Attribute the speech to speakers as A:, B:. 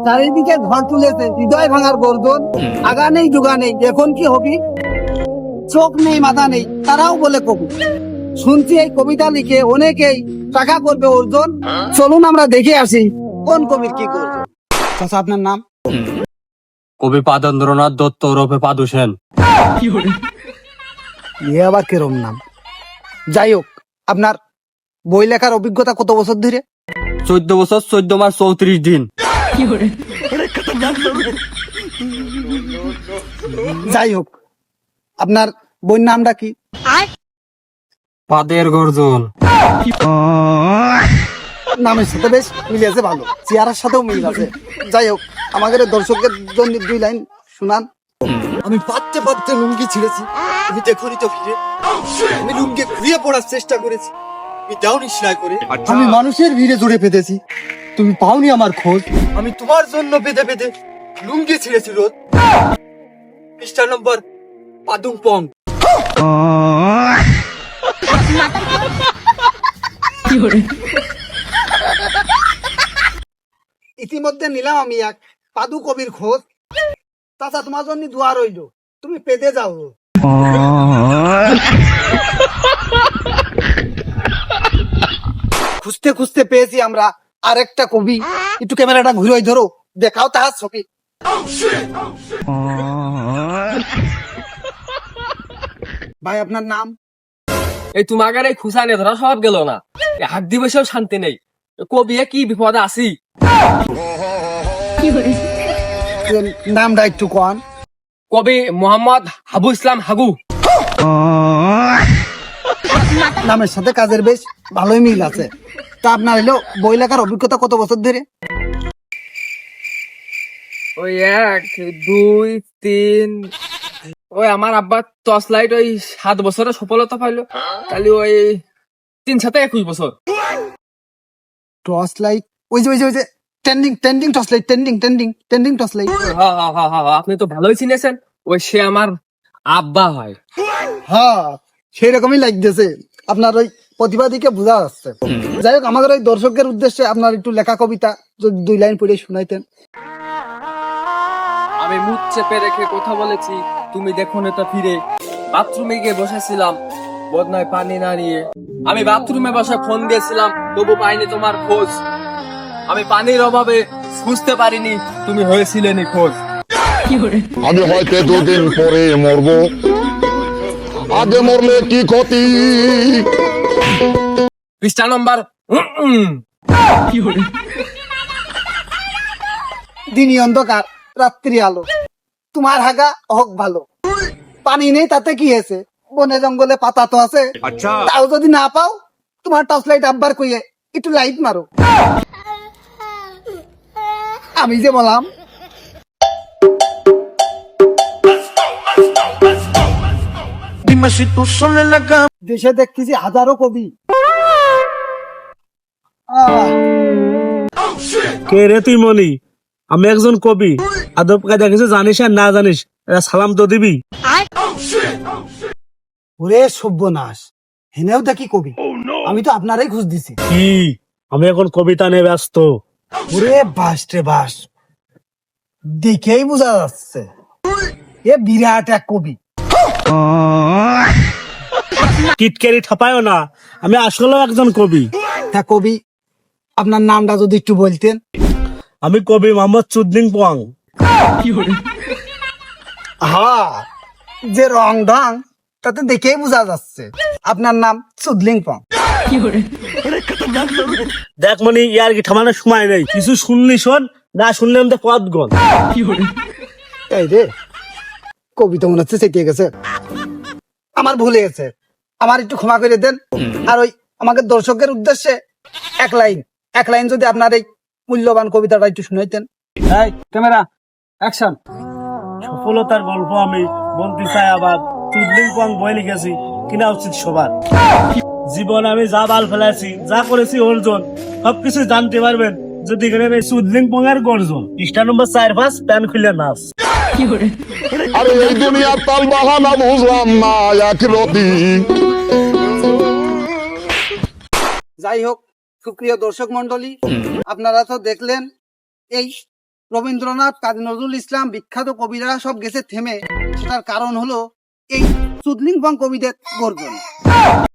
A: চারিদিকে ঝড় তুলেছে, হৃদয় ভাঙার গর্জন, আগা নেই জোগা নেই, এখন কি হবি? চোখ নেই মাথা নেই, তারাও বলে কবি। শুনছি এই কবিতা লিখে অনেকেই টাকা করবে অর্জন। চলুন আমরা দেখে আসি কোন কবির কি করবে। চাচা, আপনার নাম?
B: কবি পাদেন্দ্রনাথ দত্ত ওরফে পাদু সেন।
A: এ আবার কেরম নাম? যাই হোক, আপনার বই লেখার অভিজ্ঞতা কত বছর ধরে?
B: 14 বছর 14 মাস 34 দিন।
A: যাই হোক, আপনার বইয়ের নামটা কি?
B: পাদের গর্জন।
A: নামের সাথে বেশ মিল আছে, ভালো, চেহারার সাথেও মিল আছে। যাই হোক, আমাদের দর্শকদের জন্য 2 লাইন শুনান।
C: আমি পাততে পাততে লুঙ্গি ছিঁড়েছি, তুমি দেখোনি তো ফিরে। আমি লুঙ্গি ঘুরিয়ে পড়ার চেষ্টা করেছি, তুমি দাওনি সেলাই করে। আমি মানুষের ভিড়ে জুড়ে পেতেছি, তুমি পাওনি আমার খোঁজ। আমি তোমার জন্য পেতে পেতে লুঙ্গি ছিঁড়েছি রোদ। পৃষ্ঠা নম্বর পাদুং পং।
A: ইতিমধ্যে নিলাম আমি এক পাদু কবির খোঁজ। চাচা, তোমার জন্য দোয়া রইল, তুমি পেতে যাও। খুঁজতে খুঁজতে পেয়েছি আমরা আরেকটা কবি। একটু ক্যামেরাটা ঘুরে ধরো, দেখাও তাহার ছবি। ভাই, আপনার নাম?
B: এই তোমার এই খুশা নিয়ে ধরা সব গেল না, হাত দিবসেও শান্তি নেই। কবি কি বিপদে আসি?
A: নামটা একটু কন।
B: কবি মোহাম্মদ হাবু ইসলাম হাগু।
A: নামের সাথে কাজের বেশ ভালোই মিল আছে। তা আপনার হলো বই লেখার অভিজ্ঞতা কত বছর ধরে?
B: ওই 1 2 3, ওই আমার আব্বা টর্চ লাইট ওই 7 বছরে সফলতা পাইলো, তাহলে ওই 3 7 21 বছর।
A: টর্চ লাইট, ওই যে trending torch light, trending torch light.
B: আপনি তো ভালোই চিনেছেন, ওই সে আমার আব্বা হয়।
A: হ্যাঁ, সেই রকমই লাগতেছে, আপনার ওই প্রতিভা দিকে বোঝা যাচ্ছে। যাই হোক, আমাদের ওই দর্শকদের উদ্দেশ্যে আপনার একটু লেখা কবিতা যদি 2 লাইন পড়ে শুনাইতেন।
B: আমি মুখ চেপে রেখে কথা বলেছি, তুমি দেখো না তা ফিরে। বাথরুমে গিয়ে বসেছিলাম বদনায় পানি না নিয়ে। আমি বাথরুমে বসে ফোন দিয়েছিলাম, তবু পাইনি তোমার খোঁজ। আমি পানির অভাবে বুঝতে পারিনি তুমি হয়েছিলে নিখোঁজ।
D: আমি হয়তো 2 দিন পরে মরব, আগে মরলে কি ক্ষতি।
B: পৃষ্ঠা নম্বর
A: দিনই অন্ধকার, রাত্রি আলো, তোমার হাগা হোক ভালো। পানি নেই তাতে কি হয়েছে, বনে জঙ্গলে পাতা তো আছে। তাও যদি না পাও, তোমার টর্চ লাইট আব্বার কইয়ে একটু লাইট মারো। আমি যে বললাম। দেশে দেখতেছি হাজারো কবি।
E: কে রে তুই মনি? আমি একজন কবি, আদব কায়দা কিছু জানিস আর না জানিস, এরা সালাম তো দিবি।
A: ওরে সর্বনাশ, হেনেও দেখি কবি। আমি তো আপনারাই খুঁজ দিছি।
E: কি আমি এখন কবিতা নিয়ে ব্যস্ত?
A: ওরে বাস রে বাস, দেখেই বোঝা যাচ্ছে এ বিরাট এক কবি।
E: কিটকেরি ঠাপায়ও না, আমি আসলে একজন কবি।
A: তা কবি, আপনার নামটা যদি একটু বলতেন।
E: আমি কবি মোহাম্মদ চুদলিং পোয়াং।
A: হ্যাঁ, যে রং ঢং তাতে দেখেই বোঝা যাচ্ছে আপনার নাম সুদলিং পং।
E: দেখ মনি, ইয়ার কি ঠামানোর সময় নেই, কিছু শুনলি শোন, না শুনলে আমাদের পথ গন।
A: এই রে, কবিতা মনে হচ্ছে চেটিয়ে গেছে, আমার ভুলে গেছে, আমার একটু ক্ষমা করে দেন। আর ওই আমাকে দর্শকের উদ্দেশ্যে এক লাইন যদি আপনার এই মূল্যবান কবিতাটা একটু শুনাইতেন।
E: এই ক্যামেরা অ্যাকশন। সফলতার গল্প আমি বলতে চাই আবার, চুদলিং পোয়াং বই লিখেছি, কিনা উচিত সবার। জীবনে আমি যা বাল ফেলেছি, যা করেছি অর্জন, সবকিছু জানতে পারবেন যদি এই চুদলিং পোয়াং এর গর্জন। পৃষ্ঠা নম্বর 4-5, প্যান খুলে নাচ।
D: আরে এই দুনিয়ার তাল বাহানা বুঝলাম না একরতি।
A: যাই হোক, সুপ্রিয় দর্শক মন্ডলী, আপনারা তো দেখলেন এই রবীন্দ্রনাথ, কাজী নজরুল ইসলাম, বিখ্যাত কবিরা সব গেছে থেমে, সেটার কারণ হলো এই চুদলিং পং কবিদের গর্জন।